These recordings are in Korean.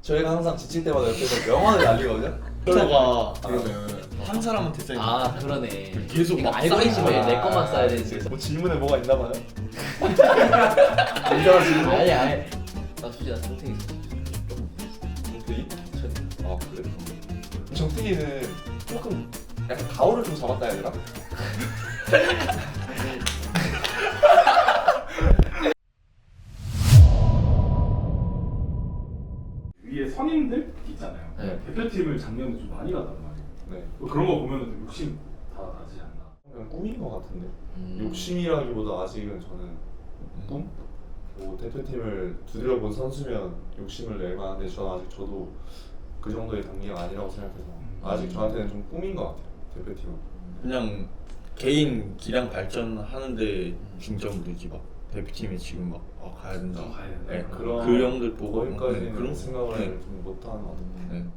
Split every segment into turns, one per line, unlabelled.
저희가 항상 지칠 때마다 옆에서 명언을 날리거든요.
가 그러면 한 사람한테 써있는
아 그러네.
계속
이거
막
알고리즘에
쌓이지.
내 것만 써야 되는데.
뭐 질문에 뭐가 있나 봐요. 이상한 질문.
아니. 나 솔직히 나 정태기 있어.
정태기? 아 그래? 정태기는 조금 약간 가오를 좀 잡았다 해야 되나?
위에 선임들 있잖아요.
네.
대표팀을 작년에 좀 많이 갔단 말이에요.
네.
그런 거 보면 좀 욕심 다 나지 않나.
그냥 꿈인 것 같은데. 욕심이라기보다 아직은 저는 꿈? 뭐 대표팀을 두드려 본 선수면 욕심을 낼 만한데 저는 아직 저도 그 정도의 단계가 아니라고 생각해서 아직 저한테는 좀 꿈인 것 같아요. 대표팀은.
그냥 개인 기량 발전하는데 중점을 두지 막 대표팀에 지금 막 가야 된다.
가야 된다.
네,
그런
그 형들 보고
거기까지는
그런
생각을
네.
좀 못하는 것 같은데.
네.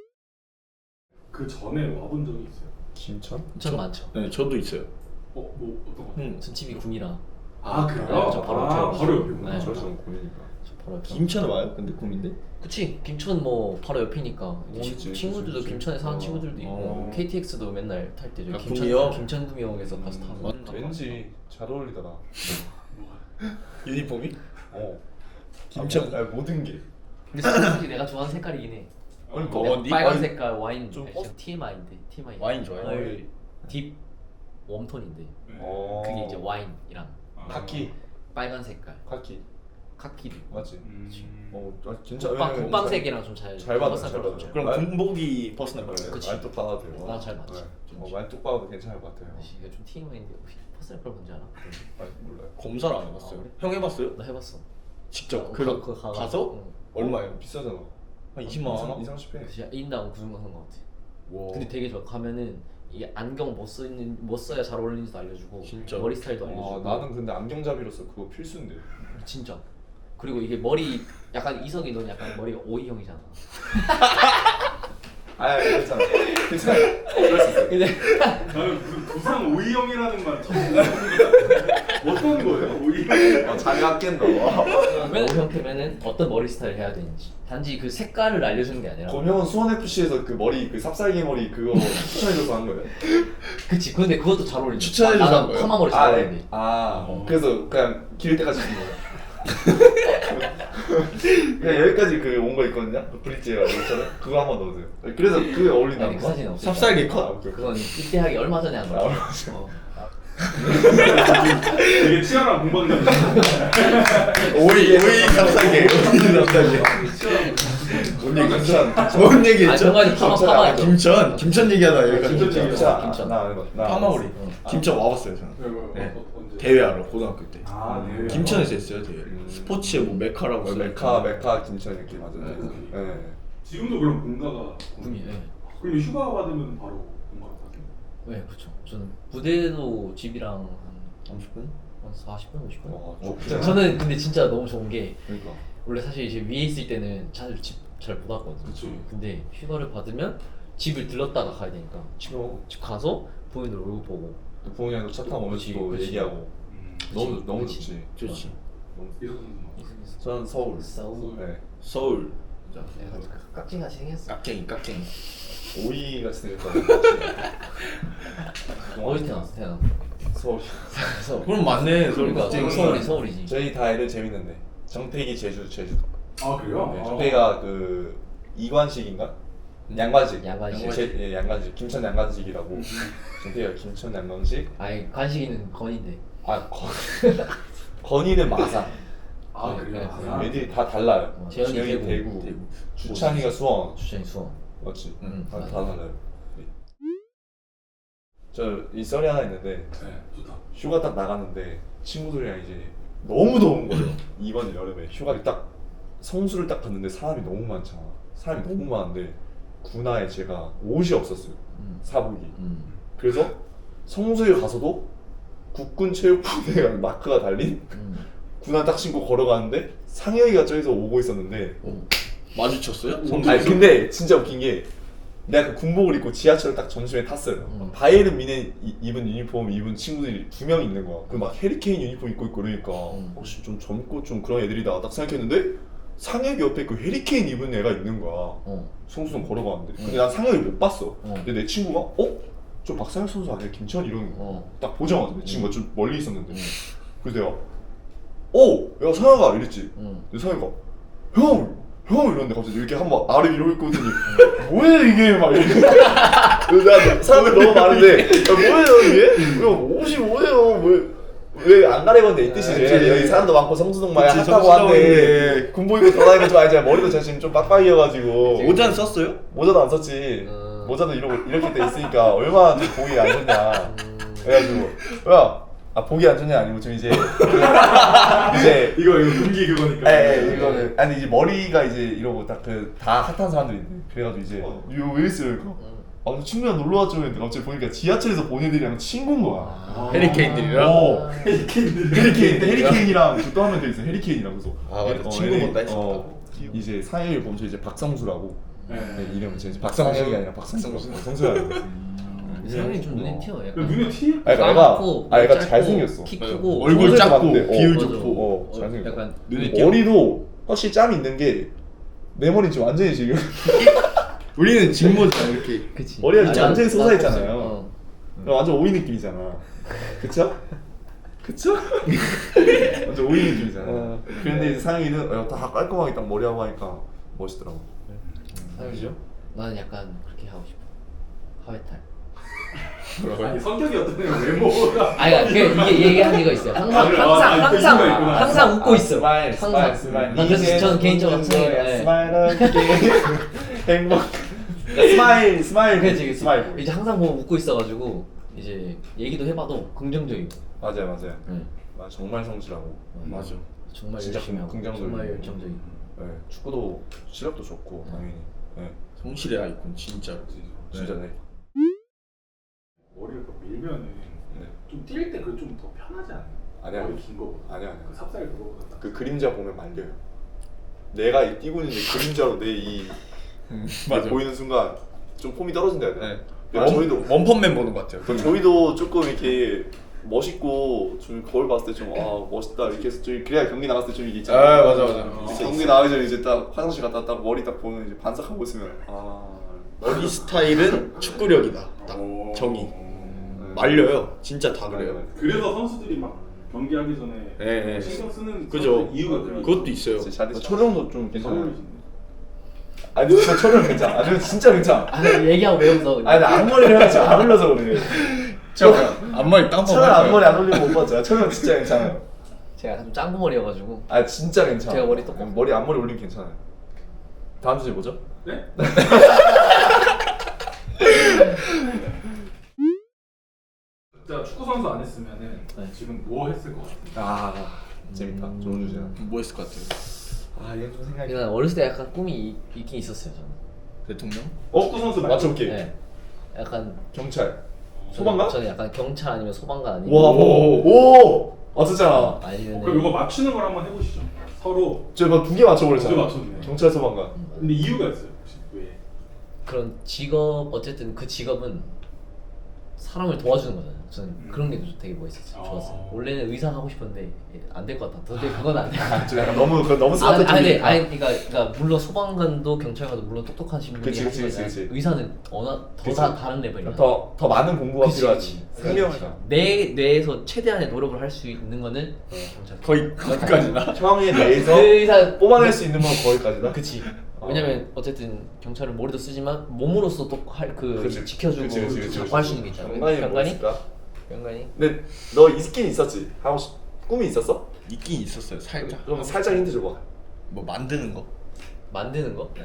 그 전에 와본 적이 있어요.
김천?
전 많죠.
네, 저도 있어요.
뭐 어떤 거?
전 집이 궁이라.
아 그래요?
네, 저 바로 옆에.
바로 옆이구나.
네.
저희 좀 고민이니까.
저 바로 옆에.
김천 와요? 근데 꿈인데?
그치. 김천 뭐 바로 옆이니까.
그치,
친구들도
그치.
김천에 사는 친구들도 있고
어.
KTX도 맨날 탈 때죠.
아, 구미역?
김천구미역에서 가서 타고.
왠지 잘 어울리더라.
유니폼이?
어.
김천.
아니, 모든 게.
근데 솔직히 내가 좋아하는 색깔이긴 해.
아니
뭐,
내가
어디?
빨간
와인?
색깔 와인
좀
TMI인데 TMI.
와인 좋아해요?
딥 웜톤인데
어.
그게 이제 와인이랑
카키.
빨간 색깔
카키.
카키도 있고.
맞지?
음.
어, 진짜
국방색이랑 좀 잘
잘 받아, 잘 받아.
그럼
말-
군복이 퍼스널 컬러예요?
그치.
말뚝 받아도 돼요.
나 잘 맞지.
말뚝 받아도 괜찮을 것 같아요.
이게 좀 TMI인데 혹시 퍼스널 컬러 뭔지 알아?
아, 몰라요.
검사를 안 해봤어요.
아, 그래?
형 해봤어요?
나 해봤어.
직접
그거
가서?
응.
얼마예요?
비싸잖아.
한 20만 원?
2, 30회.
진짜 인당 그 정도 한것 같아.
와.
근데 되게 좋아. 가면은 이게 안경 못 써야 잘 어울리는지도 알려주고
진짜?
머리 스타일도 알려주고.
나는 근데 안경잡이로서 그거 필수인데.
진짜. 그리고 이게 머리 약간 이성이 넌 약간 머리가 O형이잖아.
아, 괜찮아. 괜찮아. 그럴 수 있어.
근데
나는 무슨 부상 오이형이라는 말 처음 들어봤는데 어떤 거예요? 오이형?
자기 아낀다.
O형 되면은 어떤 머리 스타일 해야 되는지. 단지 그 색깔을 알려주는 게 아니라.
권영은 수원 FC에서 그 머리 그 삽살개 머리 그거 추천해줘서 한 거예요.
그치. 근데 그것도 잘 어울린다.
추천해줘서
나는
한 거예요?
파마 머리 잘 어울리는데.
그래서 그냥 기를 때까지 준 거예요. 그냥 여기까지 그 온 거 있거든요. 그 브릿지에 있잖아요. 그거 한번 넣으세요. 그래서 그게 어울린다는
아니 그
거.
사진 없어.
삽살개
아,
컷?
오케이, 오케이.
그건 입대하기 얼마 전에 한 거야.
되게 치열한 공방전.
오이 삽살개. 오이 삽살개.
뭔 얘기 진짜.
뭔 얘기
아
했죠?
정말 파마
아, 김천 얘기하다 여기까지
김천 얘기.
진짜
김천.
나
파마오리. 김천 와봤어요 저는.
네.
대회하러 고등학교 때.
아 네.
김천에서 했어요 대회. 스포츠의 뭐 메카라고 써요.
메카 김천 이렇게 맞아요.
네.
네.
지금도 그럼 본가가
군이. 네.
그럼 휴가 받으면 바로 본가 가세요?
네, 그렇죠. 저는 부대도 집이랑 한
30분?
40분, 50분.
와,
진짜.
저는 근데 진짜 너무 좋은 게
그러니까.
원래 사실 이제 위에 있을 때는 자주 집 잘 못 왔거든요.
그치.
근데 휴가를 받으면 집을 들렀다가 가야 되니까 집 가서 부모님들 얼굴 보고.
부모님도 차 타고 오면서 또
그치.
얘기하고 너무
그치.
좋지.
좋지.
이석 선수.
저는 서울.
싸우고.
네.
서울.
내가 깍지같이 생겼어.
깍쟁이.
오이 같이 생겼다.
어디 태어났어?
서울.
서울.
그럼 맞네. 서울
그러니까
깍쟁이.
서울이지.
저희 다 애들 재밌는데 정태기 제주도.
아 그래요?
네, 정태기가 그 이관식인가? 양관식.
양관식.
예, 양관식. 김천 양관식이라고. 정태기가 김천 양관식.
아니 관식이는 건인데.
건이는 마산.
아
네,
그래요?
네.
아,
애들이 다 달라요.
재현이
재현이
대구.
대구. 주찬이가 수원.
주장이 수원.
맞지? 다
맞아.
달라요. 저 이 썰이 하나 있는데
네 좋다.
휴가 딱 나갔는데 친구들이랑 이제 너무 더운 거예요. 이번 여름에 휴가를 딱 성수를 딱 갔는데 사람이 너무 많잖아. 사람이 너무 많은데 군화에 제가 옷이 없었어요. 사복이. 그래서 성수에 가서도 국군 체육부대 마크가 달린 군화 딱 신고 걸어가는데 상혁이가 저기서 오고 있었는데
마주쳤어요?
아니 근데 진짜 웃긴 게 내가 그 군복을 입고 지하철을 딱 점심에 탔어요. 바이에른 미네 입은 유니폼 입은 친구들이 2명 있는 거야. 그 막 해리케인 유니폼 입고 있고 그러니까 혹시 좀 젊고 좀 그런 애들이다 딱 생각했는데 상혁이 옆에 그 헤리케인 입은 애가 있는 거야.
어.
성수동 걸어가는데. 근데 난 상혁이 못 봤어.
어.
근데 내 친구가 저 박상혁 선수 아니야? 김천 이러는 거야.
어.
딱 보자마자 내 친구가 좀 멀리 있었는데. 그래서 내가 야 상혁아 이랬지.
응.
근데 상혁이가 형 이러는데 갑자기 이렇게 한번 아래 위로 있거든요. 뭐야 이게 막 이렇게. 그래서 내가 사람들 너무 많은데 뭐예요 이게? 형 옷이 뭐예요? 왜 안 가리건데 이 뜻이지. 여기 사람도 많고 성수동 마야
그치,
핫하고 한데
성수동인데.
군복 입고 돌아다니고 좀 알지. 머리도 제가 지금 좀 빡빡이어가지고
모자는 썼어요?
모자도 안 썼지. 모자도 이렇게 돼 있으니까 얼마나 좀 보기 안 좋냐. 그래가지고 보기 안 좋냐 아니고 좀 이제
이거 금기 그거니까.
이거는 아니 이제 머리가 이제 이러고 딱 다 핫한 사람들인데 그래가지고 이제 이거 왜 있어요 이거. 저 친구랑 놀러 왔죠 했는데 갑자기 보니까 지하철에서 본 애들이랑 친구인 거야.
헤리케인들이랑?
헤리케인이랑 또 한 명 더 있어. 헤리케인이랑 그래서
맞아. 친구 본다 했었다.
이제 상혁이 보면 저 이제 박성수라고.
네.
이름은 이제 박상혁이 아니라 박성수. 성수라고.
상현이 좀 눈에 튀어. 약간.
눈에 티?
애가 잘생겼어.
키 크고
얼굴
소재도
작고
많은데,
비율
맞아.
좋고.
잘생겼어.
약간
눈에 띄어.
머리도 확실히 짬이 있는 게 내 머리는 지금 완전히 지금
우리는 직모잖아 이렇게.
그치.
머리가
아니,
완전히
나-
솟아있잖아요.
어.
완전 오이 느낌이잖아. 그쵸? 완전 오이 느낌이잖아. 그런데 이제 상혁이는 다 깔끔하게 딱 머리하고 하니까 멋있더라고.
상현이죠? 나는 약간 그렇게 하고 싶어. 하회탈.
아니 성격이 어떠냐 외모가.
아니 이게 얘기한 이거 있어요. 항상
그 이유가 있구나.
항상 웃고 있어.
스마일.
난 그래서 저는 개인적으로 상현이
스마일 행복. 스마일.
그치.
스마일.
이제 항상 보면 웃고 있어가지고 이제 얘기도 해봐도 긍정적이고.
맞아요.
네.
정말 성실하고.
맞아.
정말
진짜
열심히 하고
긍정적이고.
정말 열정적이고.
네, 축구도 실력도 좋고 당연히. 네,
성실의 아이콘 진짜로.
진짜네.
머리를 또 밀면은
네.
좀 뛸 때 그 좀 더 편하지 않아요?
아니야.
머리 긴 거보다.
아니야.
그 삽살 그거보다. 딱.
그 그림자 보면 말려요. 내가 이 뛰고 있는데 그림자로 내 이
맞아.
보이는 순간 좀 폼이 떨어진다 해야 되나?
네.
근데 저희도
원펀맨 보는 것 같아요.
저희도 조금 이렇게 멋있고 좀 거울 봤을 때 좀 멋있다 이렇게 해서 좀 그래야 경기 나갔을 때 좀 이게 있잖아요.
아, 맞아.
이제 경기 나가기 전에 이제 딱 화장실 갔다 딱 머리 딱 보면 이제 반삭하고 있으면
머리 스타일은 축구력이다. 딱
오.
정의. 말려요. 진짜 다 그래요.
그래서 선수들이 막 경기하기 전에
네.
신경 쓰는
그죠.
이유가 그래.
그것도 있어요.
촬영도 좀 괜찮아요.
선물이신데.
아니 진짜 촬영 괜찮아. 아니 진짜 괜찮아.
아 얘기하고 왜 웃어?
아니 나 앞머리를 해서 안 흘러서 그래.
앞머리 땀
촬영 앞머리 안 올리고 못 봤잖아. 촬영 진짜 괜찮아요.
제가 좀 짱구 머리여가지고.
아 진짜 괜찮아.
제가 머리 똑같-
머리 앞머리 올리면 괜찮아요. 다음 주제 뭐죠?
네? 자 축구 선수 안 했으면은
네.
지금 뭐 했을 것 같아요?
재밌다. 좋은 주제야.
뭐 했을 것 같아요?
이건 좀 생각이.
난 어렸을 때 약간 꿈이 있긴 있었어요 저는.
대통령?
축구 선수 말고.
맞춰볼게.
네. 약간
경찰. 소방관?
저는 약간 경찰 아니면 소방관 아니면
와, 오, 맞췄잖아.
아니면
그럼 이거 맞추는 걸 한번 해보시죠. 서로.
저거 2개 맞춰버렸잖아.
2개 맞췄네.
경찰 소방관.
근데 이유가 있어요. 혹시 왜?
그런 직업 어쨌든 그 직업은 사람을 도와주는 거잖아요. 저는 그런 게 되게 멋있었어요. 좋았어요. 원래는 의사 하고 싶었는데 안 될 것 같다. 도저히 그건 안 돼.
좀 약간 너무
아니
스마트적이니까.
그러니까 물론 소방관도 경찰관도 물론 똑똑하신 분이
그치,
하시는
그치,
거잖아요.
그치.
의사는 더 다른 레벨이야.
더 많은 공부가
그치,
필요하지.
그치.
생명이다.
내 뇌에서 최대한의 노력을 할 수 있는 거는 경찰.
거기까지나?
형에 대해서
그 의사
뽑아낼 수 있는 건 거기까지다.
그치. 왜냐면 어쨌든 경찰은 머리도 쓰지만 몸으로서 또 그
그치.
지켜주고
그치.
자꾸 할 수 있는 게 있잖아.
병관이 뭐
병관이?
있을까?
병관이?
근데 너 이 스킨 있었지? 하고 꿈이 있었어?
있긴 있었어요. 살짝.
그럼 살짝 힌트 줘봐.
뭐 만드는 거?
만드는 거?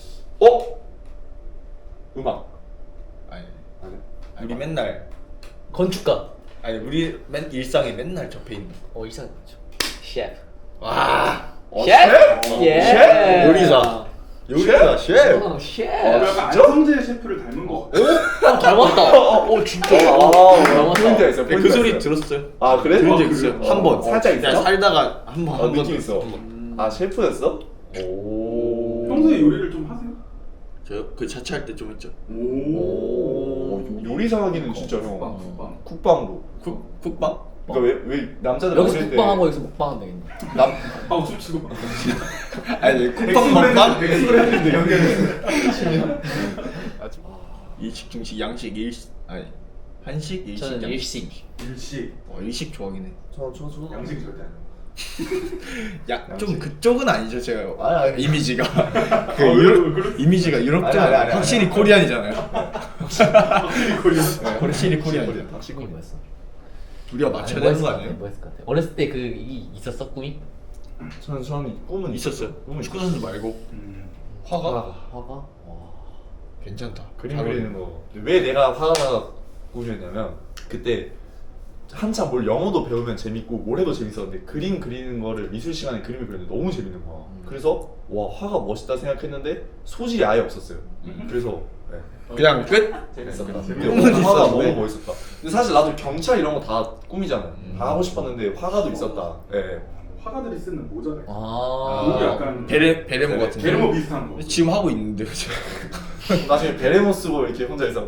음악.
아니.
아니.
우리 맨날
건축가.
우리 일상에 맨날 접해 있는 거.
이상. 셰프.
와.
셰프? 예.
셰프?
요리사. 요리사 셰프.
셰프.
약간 안성재 셰프를 닮은 것 같아요.
닮았다. 진짜.
포인트가 있어.
그 소리 들었어요?
아 그래?
들은 적
아,
있어요.
그래요?
한 번.
살짝 있어?
그냥 살다가 한 번.
느낌 있어. 아 셰프였어? 오.
평소에 요리를 좀 하세요?
저그 자취할 때 좀 했죠.
오. 요리사 하기는 진짜 형.
국방.
국방도.
쿡방?
그러니까 왜 남자들
여기서
어릴 때
먹방하고 여기서 먹방하면 되겠네.
하고 춤추고
아니 쿡방
백숙을
먹방?
백숙을 했는데 연결해서
일식 중식 양식 일식 아니 한식 일식
저는
양식.
일식.
일식
일식 좋아하긴 해.
저
양식 절대 안 해.
좀 그쪽은 아니죠 제가
아니.
이미지가 그
왜,
유럽
왜 그랬어?
이미지가 유럽 쪽
아니.
확실히 코리안이잖아요.
확실히 걸려.
네, 확실히 코리안이죠.
꿈이 뭐였어?
우리가 맞춰야
아니,
되는 거
뭐였을 것
아니에요?
같아, 뭐였을 것 같아. 어렸을 때 그 있었어 꿈이?
저는 꿈은
있었어요.
꿈은
축구 선수 말고 화가
화가? 와.
괜찮다.
그림
잘
그리는 거. 왜 내가 화가가 꿈이었냐면 그때 한참 뭘 영어도 배우면 재밌고 뭘 해도 재밌었는데 그림 그리는 거를 미술 시간에 그림을 그리는데 너무 재밌는 거야. 그래서 와 화가 멋있다 생각했는데 소질이 아예 없었어요. 그래서 네.
그냥 끝.
재밌었다.
꿈은
화가
있었는데.
너무 멋있었다. 근데 사실 나도 경찰 이런 거 다 꿈이잖아요. 다 하고 싶었는데 화가도 있었다. 예.
화가들이 쓰는 모자를
아.
목이 약간
베레모 같은 거.
베르모 비슷한 거.
지금 하고 있는데요. 제가.
나중에 베레모 쓰고 이렇게 혼자서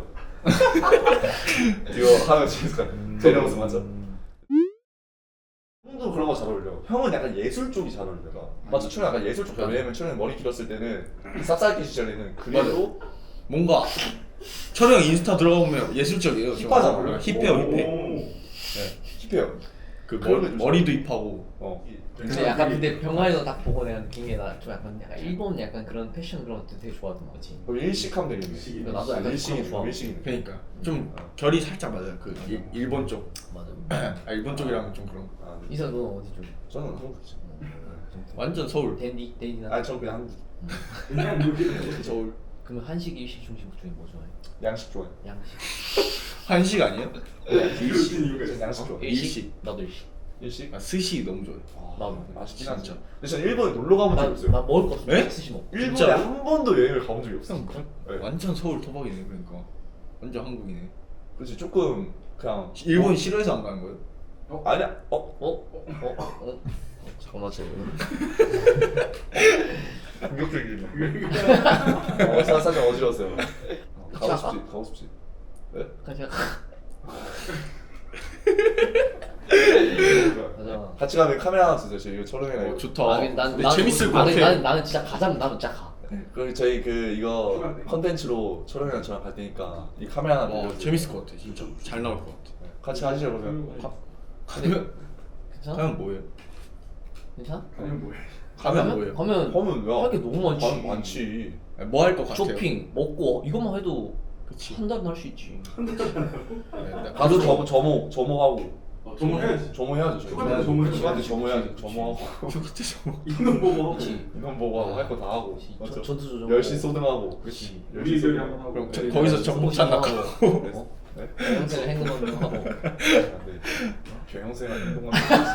이거 하면 재밌을 것 같아. 베레모 쓰 맞아. 형도 그런 거 잘 어울려. 형은 약간 예술 쪽이 잘 어울려. 맞아, 춘은 약간 예술 쪽. 왜냐면 춘은 머리 길었을 때는 쌉싸기 시절에는 그래도
뭔가 철형 인스타 들어가보면 예술적이에요. 좀.
힙하잖아.
힙해요, 힙해.
오.
힙해요.
그
그런 거 좀
머리도 힙하고.
근데 약간 근데 병아리도 딱 보고 내가 느낀 게 나 좀 약간 일본 약간 그런 패션 그런 것도 되게 좋아하던 거지.
그럼 일식하면 되겠네.
일식이네.
나도 약간
일식이네.
그런 거 좋아.
일식이네.
그러니까 좀 결이 살짝 맞아요. 그 일본 쪽.
맞아.
일본 쪽이랑 좀 그런.
아, 네.
이사 너 어디 쪽?
저는 한국이죠.
완전 서울.
댄디나.
아니 저는 그냥 한국.
그냥 이렇게
서울.
그러면 한식, 일식, 중식 중에 뭐 좋아해?
양식 좋아해.
양식.
한식 아니에요?
이루어진 이유가
저는
있어.
양식 좋아해.
일식.
나도 일식.
일식?
아, 스시 너무 좋아해.
나도.
맛있긴
진짜.
하죠. 근데 저는 일본에 놀러 가본 적이 없어요.
나 먹을 거 없어.
네?
스시 먹.
일본에
진짜로?
한 번도 여행을 가본 적이 없어. 네.
완전 서울 토박이네 그러니까. 완전 한국이네.
그렇지 조금 그냥
일본 싫어해서 안 가는 거예요?
아니야.
잠깐만
공격적이네. 사실 어지러웠어요. 가고 싶지. 가고 싶지. 네?
그냥 맞아.
같이 가면 카메라 하나 주세요. 저희 이거 촬영해놔요.
좋다.
난
근데 재밌을 것 같아.
나는 진짜 가자면 나는 진짜 가.
그리고 저희 그 이거
휴가인데.
컨텐츠로 촬영이랑 저랑 갈 테니까 이 카메라 하나 빌려주세요.
재밌을 것 같아 진짜. 잘 나올 것 같아.
네, 같이 가시죠 그러면.
가면
괜찮아?
가면 뭐예요?
괜찮아?
아니면 뭐해?
가면 뭐예요?
가면
하면 왜?
할 게 너무 많지.
많지.
뭐 할 것 같아요?
쇼핑, 먹고 이것만 해도
그치.
한 달은 할 수 있지.
가서 점호하고.
조문해야지.
점호해야죠. 저희.
휴가 때 점호해야지.
휴가 때 점호해야지. 점호하고.
이놈 보고 하고.
이건 보고 하고 할 거 다 하고. 맞죠?
전투 조정.
10시 소등하고.
그렇지.
우리 애들이 한번 하고.
그럼
네.
거기서 정복 찬다고.
어?
네?
영생을 행동하는 하고.
병영생활 행동하는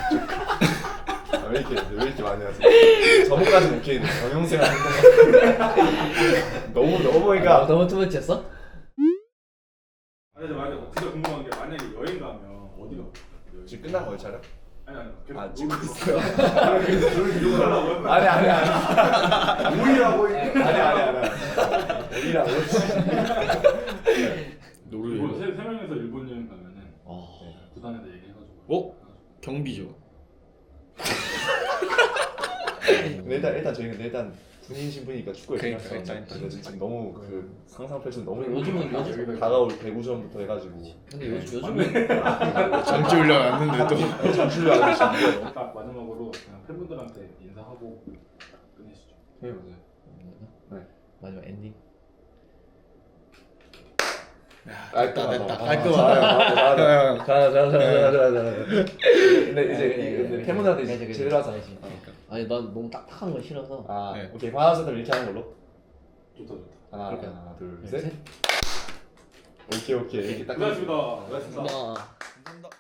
왜 이렇게 많이 하세요? 저번까지 오케이 병영생활 행동 너무 그러니까
너무 투머치였어?
아니 근데 만약에 진짜 궁금한 게 만약에 여행 가면 어디가?
지금 끝난 거예요 촬영?
아니
찍고
놀고
있어요.
아니
아니
우리라고
어디라고?
노르웨이.
세 명이서 일본 여행 가면은 부산에다 얘기해가지고.
어? 경비죠.
근데 일단 저희는 일단 군인 신분이니까 축구에
그러니까,
일단 지금 너무 그 상상 펼쳐 너무
요즘은
다가올 배구전부터 해가지고
근데 요즘은
전지 훈련 왔는데도.
전출을 안 하시는데
딱 마지막으로 그냥 팬분들한테 인사하고 끝내시죠.
네 맞아요.
마지막 엔딩.
됐다.
깔끔하다. 자. 근데
그래,
이제 팬분들한테 이제
그래.
제대로 하자야지.
아니 난 너무 딱딱한 거 싫어서.
아
네.
오케이 하나 둘 셋 이렇게 하는 걸로.
좋다.
하나
그럴까요?
둘
셋.
셋. 오케이 이렇게 딱.
고생하셨습니다.
고맙습니다.
아.
감사합니다.